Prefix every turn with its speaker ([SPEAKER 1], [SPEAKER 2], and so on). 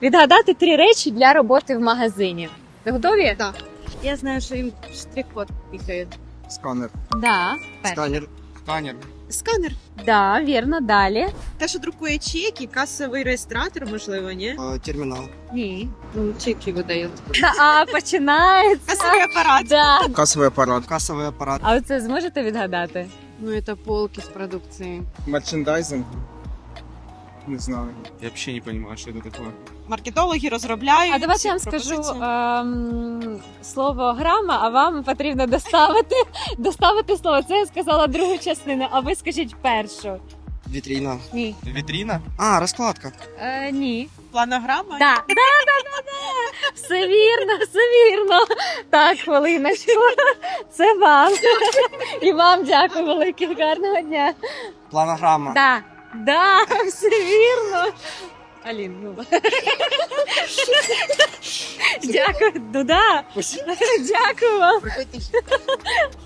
[SPEAKER 1] Відгадати 3 речі для роботи в магазині. Ви готові?
[SPEAKER 2] Так. Я знаю, що їм штрих-код пікають.
[SPEAKER 3] Сканер.
[SPEAKER 1] Да.
[SPEAKER 3] Сканер. Сканер.
[SPEAKER 2] Сканер.
[SPEAKER 1] Да, вірно, далі.
[SPEAKER 2] Те, що друкує чеки, касовий реєстратор, можливо, ні?
[SPEAKER 3] Термінал.
[SPEAKER 1] Ні.
[SPEAKER 2] Ну, чеки видають.
[SPEAKER 1] Починається.
[SPEAKER 2] Касовий апарат.
[SPEAKER 1] Да.
[SPEAKER 3] Касовий апарат. Касовий апарат.
[SPEAKER 1] А оце зможете відгадати?
[SPEAKER 2] Ну, це полки з продукцією.
[SPEAKER 3] Мерчендайзинг. Не знаю.
[SPEAKER 4] Я вообще не понимаю, что это такое.
[SPEAKER 2] Маркетологи розробляють.
[SPEAKER 1] А давайте я вам скажу слово грама, а вам потрібно доставити слово. Це я сказала другу частину, а ви скажіть першу.
[SPEAKER 3] Вітріна.
[SPEAKER 1] Ні.
[SPEAKER 4] Витрина?
[SPEAKER 3] А, розкладка.
[SPEAKER 1] Ні.
[SPEAKER 2] Планограма.
[SPEAKER 1] Да. Все вірно, все вірно. Так, хвилиночку. Це вам. І вам дякую велике. Гарного дня.
[SPEAKER 3] Планограма.
[SPEAKER 1] Да, все вірно. Алін, ну. Дякую. Ну да. Дякую вам.